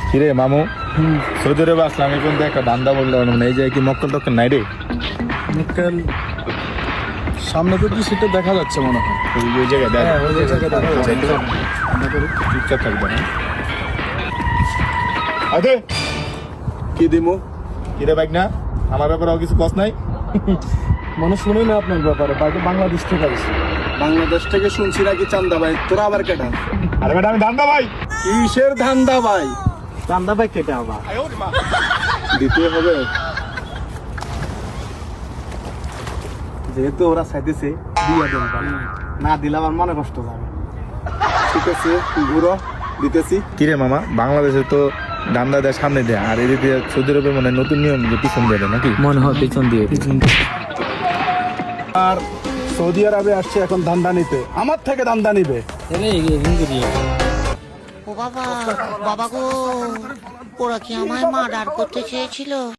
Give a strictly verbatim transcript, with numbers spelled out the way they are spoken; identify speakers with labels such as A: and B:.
A: কিরে মামু, সৌদি আরবে আসলাম এখন তো একটা ধান্দা বললে মানে এই যে কি মক্কেল টক্কেল নাই রে?
B: মক্কেল সামনে তো সেটা দেখা যাচ্ছে মনে হয়।
A: ওই ওই জায়গায় দেখ,
B: হ্যাঁ, ওই জায়গায় দেখা যাচ্ছে।
A: আমরা করি, চুপচাপ থাকবে না। আরে
B: কি দিমু?
A: কিরে বাইক না, আমার ব্যাপারে আর কিছু কস নাই?
B: মনে শুনি না আপনার ব্যাপারে, বাকি বাংলাদেশ থেকে আসছে। বাংলাদেশ থেকে শুনছি নাকি চান্দা ভাই, তোরা আবার কেটা?
A: আরে বেটা আমি ধান্দা ভাই।
B: কিসের ধান্দা ভাই? চান্দা ভাই কেটে আবার দিতে হবে, যেহেতু ওরা চাইতেছে দিয়ে দেন ভাই, না দিলে আমার মনে কষ্ট যাবে। ঠিক আছে ঘুরো, দিতেছি।
A: কিরে মামা, বাংলাদেশে তো ধান্দা দেয় সামনে দেয়, আর এদিকে সৌদি আরবে মানে নতুন নিয়ম যে পিছন দিয়ে দেয় নাকি?
C: মনে হয় পিছন দিয়ে
B: আর সৌদি আরবে আসছে এখন ধান্দা নিতে, আমার থেকে ধান্দা নিবে।
D: ও বাবা, বাবা গো, ওরা কি আমায় মার্ডার করতে চেয়েছিল?